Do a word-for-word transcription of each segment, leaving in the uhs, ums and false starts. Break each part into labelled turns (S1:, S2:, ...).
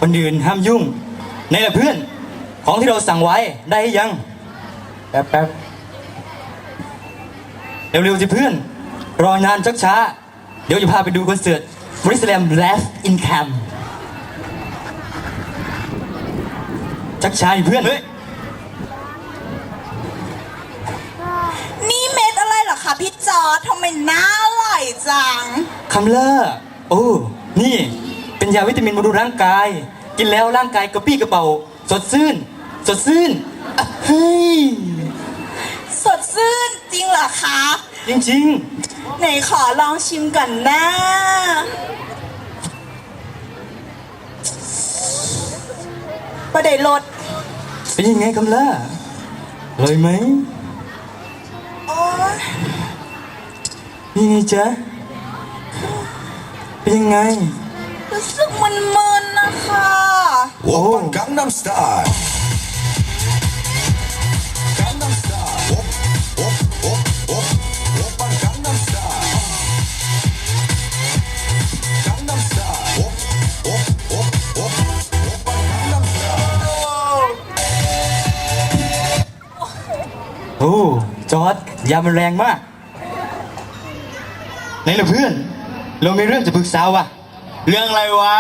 S1: คนอื่นห้ามยุ่งในละเพื่อนของที่เราสั่งไว้ได้ยังแป๊บแป๊บเร็วๆสิเพื่อนรอนานชักช้าเดี๋ยวจะพาไปดูคอนเสิร์ตบริสแลมแลฟอินแคมชักช้าเพื่อนเฮ้ย
S2: นี่เม็ดอะไรเหรอคะพี่จอร์จทำไมน่าอร่อยจัง
S1: คำเลอร์โอ้นี่เป็นยาวิตามินบำรุงร่างกายกินแล้วร่างกายกระปี้กระเป๋าสดชื่นสดชื่นเฮ้ย
S2: สดชื่นจริงเหรอคะ
S1: จริง
S2: ๆไหนขอลองชิมก่อนนะประเดี๋ยวรส
S1: เป็นยังไงคำเลอร์อร่อยไหม
S2: โอ้
S1: ยังไงจ๊ะเป็นยังไง
S2: รู้สึกมึนๆนะคะ
S3: โอ้กังนัมสไตล์กังนัมสไตล์โอ๊ะโอ๊ะโอ๊ะโอ๊ะโอ๊ะปังกังนัมสไตล์กังนัมสไตล์โอ๊ะโอ๊ะโอ๊ะโอ๊ะโอ๊ะปังกังนัมสไตล์
S1: โอ้จอร์จยามันแรงมากไหนล่ะเพื่อนเรามีเรื่องจะปรึกษาว่ะ
S4: เรื่องอะไรวะ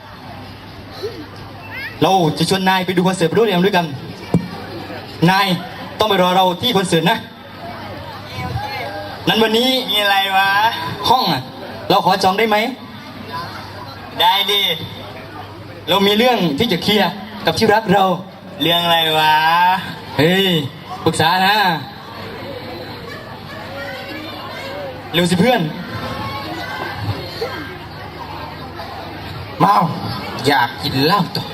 S1: เราจะชวนนายไปดูคอนเสิร์ตบรูเรียมด้วยกันนายต้องไปรอเราที่คอนเสิร์ตนะนั้นวันนี้
S4: มีอะไรวะ
S1: ห้องอ่ะเราขอจองได้ไหม
S4: ได้ดิ
S1: เรามีเรื่องที่จะเคลียร์กับที่รักเรา
S4: เรื่องอะไรวะ
S1: เฮ้ยปรึกษานะเร็วสิเพื่อนเมาอยากกินเหล้าต่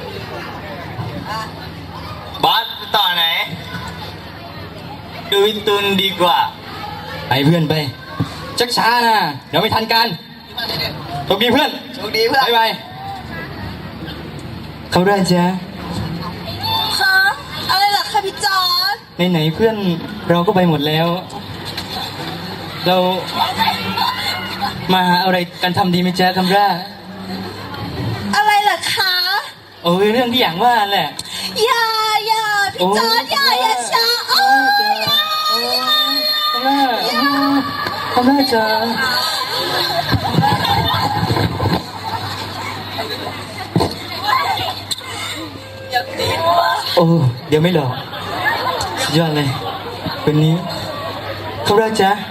S1: อบ
S4: อสต่อไหนดูวิตุนดีกว่า
S1: ไปเพื่อนไปชักช้านะเดี๋ยวไม่ทันกันโชคดีเพื่อน
S4: โชคดีเพื่อน
S1: บ๊ายบายเขาได้จ้ะ
S2: คะอะไรล่ะคะพี่จอร์จ
S1: ไหนๆเพื่อนเราก็ไปหมดแล้วเรามาหาอะไรกันทำดีไหมจ๊ะคำร่า
S2: อะไรล่ะคะ
S1: โอ้ยเรื่องที่อย่างว่าแหละ
S2: อย่าอย่าพี่จอร์จอย่าอย่าช้าโอ้ยอย่าอย่า
S1: คำร่าคำร่าจ๊ะโอ้เดี๋ยวไม่หลอกยอดเลยวันนี้คำร่าจ๊ะ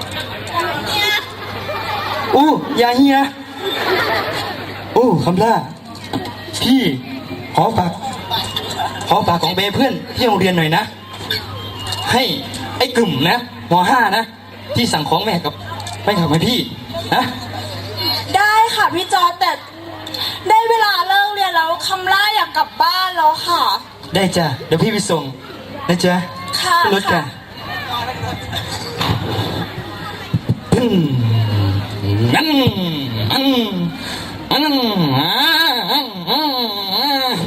S1: อู้อย่าเฮียโอ้คำล่าพี่ขอฝากขอฝากของเบเพื่อนที่โรงเรียนหน่อยนะให้ไอ้กลุ่มนะมห้านะที่สั่งของแม่กับไม่ขับให้พี่นะ
S2: ได้ค่ะพี่จอร์จแต่ได้เวลาเลิกเรียนแล้วคำล่าอยากกลับบ้านแล้วค่ะ
S1: ได้จ้ะเดี๋ยวพี่ไปส่งนะจ๊ะ
S2: ค่ะ
S1: รถกันอืมงั้นอืมอืมอ่าอืมอืมอ่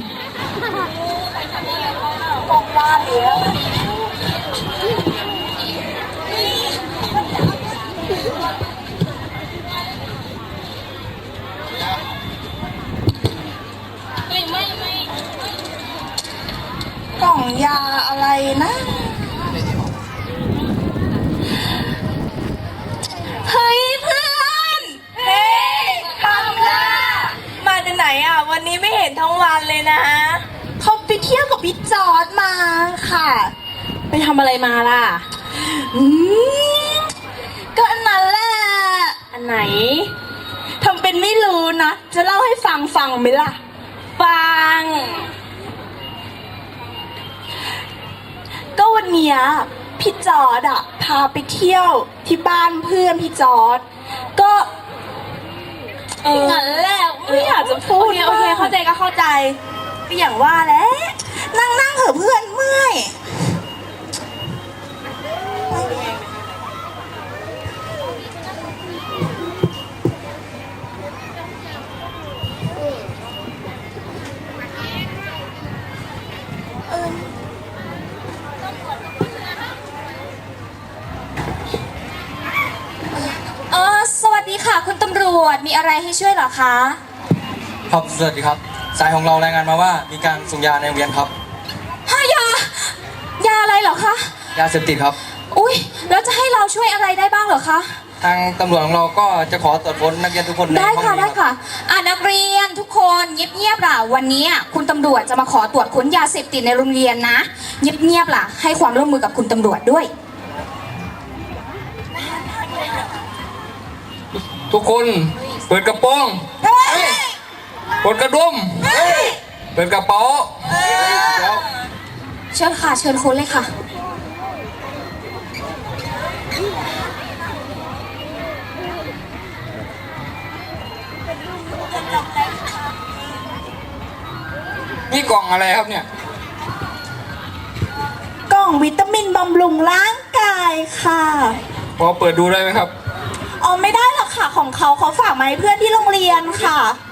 S2: ากล่องยาอะไรนะเฮ้ยเพื่อนเฮ้ยคำล่ามาจากไหนอ่ะวันนี้ไม่เห็นทั้งวันเลยนะเขาไปเที่ยวกับพี่จอร์จมาค่ะไปทำอะไรมาล่ะอืมก็อันนั้นแหละอันไหนทำเป็นไม่รู้นะจะเล่าให้ฟังฟังไหมล่ะฟังก็วันเนี้ยพี่จอร์จอะพาไปเที่ยวที่บ้านเพื่อนพี่จอร์จก็งั้นแหละไม่อยากจะพูดโอเคเข้าใจก็เข้าใจก็อย่างว่าแหละนั่งนั่งเถอะเพื่อนเมื่อย
S5: ค่ะคุณตำรวจมีอะไรให้ช่วยเหรอคะ
S1: ครับสวัสดีครับ สายของเรารายงานมาว่ามีการส่งยาในโรงเรียนครับ
S2: ฮะยา ยาอะไรเหรอคะ
S1: ยาเสพติดครับ
S2: อุ้ยแล้วจะให้เราช่วยอะไรได้บ้างเหรอคะ
S1: ทางตำรวจของเราก็จะขอตรวจค้นนักเรียนทุกคนใน
S2: ได้
S1: ห้อง
S2: ค่ะ
S1: นี้
S2: ได้
S1: รับ
S2: ค่ะอ่านักเรียนทุกคนเงียบๆล่ะวันนี้คุณตำรวจจะมาขอตรวจค้นยาเสพติดในโรงเรียนนะเงียบๆล่ะให้ความร่วมมือกับคุณตำรวจด้วย
S1: ทุกคนเปิดกระโปรงเปิดกระดุมเปิดกระเป๋าเดี๋ยว
S2: เชิญค่ะเชิญค้นเลยค่ะ
S1: นี่กล่องอะไรครับเนี่ย
S2: กล่องวิตามินบำรุงร่างกายค่ะ
S1: พอเปิดดูได้ไหมครับ
S2: อ๋อไม่ได้หรอกค่ะของเขาเขาฝากมาให้เพื่อนที่โรงเรียนค่ะ